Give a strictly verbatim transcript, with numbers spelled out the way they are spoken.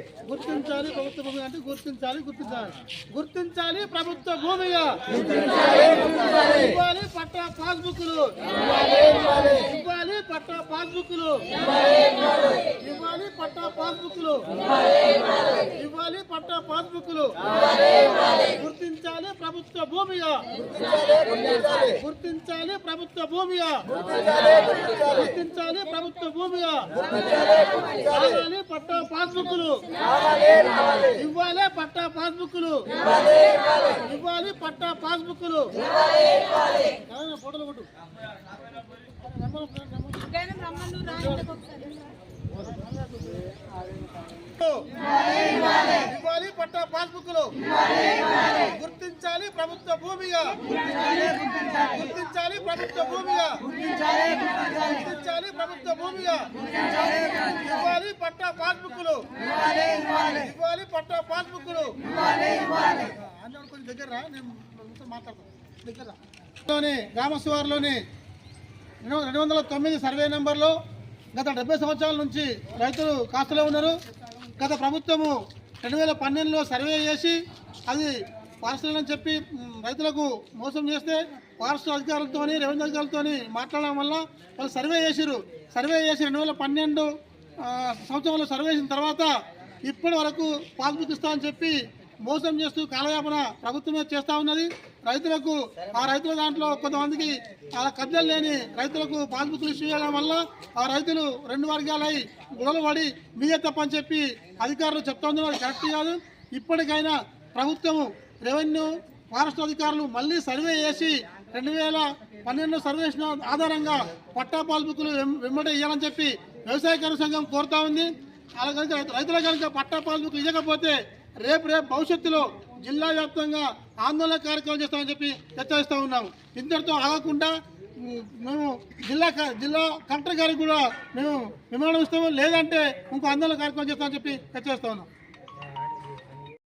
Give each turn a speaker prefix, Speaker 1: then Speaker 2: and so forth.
Speaker 1: గుర్తించాలి ప్రభుత్వ భూమి అంటే గుర్తించాలి గుర్తించాలి గుర్తించాలి ప్రభుత్వ భూమిగా ఇవ్వాలి పట్టా పాస్బుక్లు ఇవ్వాలి పట్టా పాస్బుక్లు ఇవ్వాలి పట్టా పాస్బుక్లు ఇవ్వాలి పట్టా పాస్బుక్లు గుర్తించాలి ప్రభుత్వ భూమిగా గుర్తించాలి ప్రభుత్వ భూమిగా గుర్తించాలి ప్రభుత్వ భూమిగా ఇవ్వాలి పట్టా పాస్బుక్లు ఇవ్వాలి పట్టా పాస్బుక్లు ఇవ్వాలి పట్టా పాస్బుక్లు ఫోటోలు కొట్టు ఇవ్వాలి పట్టా పాస్బుక్లు గుర్తించాలి ప్రభుత్వ భూమిగా గుర్తించాలి ప్రభుత్వ భూమిగా గుర్తించాలి ప్రభుత్వ భూమిగా ఇవ్వాలి పట్టా పాస్బుక్లు ఇవ్వాలి పట్టా పాస్బుక్లు కొంచెం దగ్గర నేను మాట్లాడతాను దగ్గర గ్రామ శివారులోని రెండు వందల తొమ్మిది సర్వే నెంబర్లో గత డెబ్బై సంవత్సరాల నుంచి రైతులు కాస్తలో ఉన్నారు. గత ప్రభుత్వము రెండు వేల పన్నెండులో సర్వే చేసి అది పార్సల్ అని చెప్పి రైతులకు మోసం చేస్తే ఫారెస్ట్ అధికారులతో రెవెన్యూ అధికారులతో మాట్లాడడం వల్ల వాళ్ళు సర్వే చేసిరు. సర్వే చేసి రెండు వేల పన్నెండు సంవత్సరంలో సర్వే చేసిన తర్వాత ఇప్పటి వరకు పాస్బుక్ ఇస్తామని చెప్పి మోసం చేస్తూ కాలయాపన ప్రభుత్వమే చేస్తూ ఉన్నది. రైతులకు ఆ రైతుల దాంట్లో కొంతమందికి ఆ కబ్జాలు లేని రైతులకు పాస్బుక్లు ఇష్యూ చేయడం వల్ల ఆ రైతులు రెండు వర్గాలై గొడవలు పడి మీదే తప్పని చెప్పి అధికారులు చెప్తా ఉన్నారు. అది కరెక్ట్ కాదు. ఇప్పటికైనా ప్రభుత్వము రెవెన్యూ ఫారెస్ట్ అధికారులు మళ్ళీ సర్వే చేసి రెండు వేల పన్నెండు సర్వే చేసిన ఆధారంగా పట్టా పాస్బుక్లు వెంబడి ఇవ్వాలని చెప్పి వ్యవసాయ కార్మిక సంఘం కోరుతా ఉంది. అలా కనుక రైతుల కనుక పట్టా పాస్బుక్ ఇవ్వకపోతే రేపు రేపు భవిష్యత్తులో జిల్లా వ్యాప్తంగా ఆందోళన కార్యక్రమం చేస్తామని చెప్పి హెచ్చరిస్తూ ఉన్నాము. ఇంతటితో ఆగకుండా మేము జిల్లా జిల్లా కలెక్టర్ గారికి కూడా మేము విమానం ఇస్తాము, లేదంటే ఇంకో ఆందోళన కార్యక్రమం చేస్తామని చెప్పి హెచ్చరిస్తూ ఉన్నాం.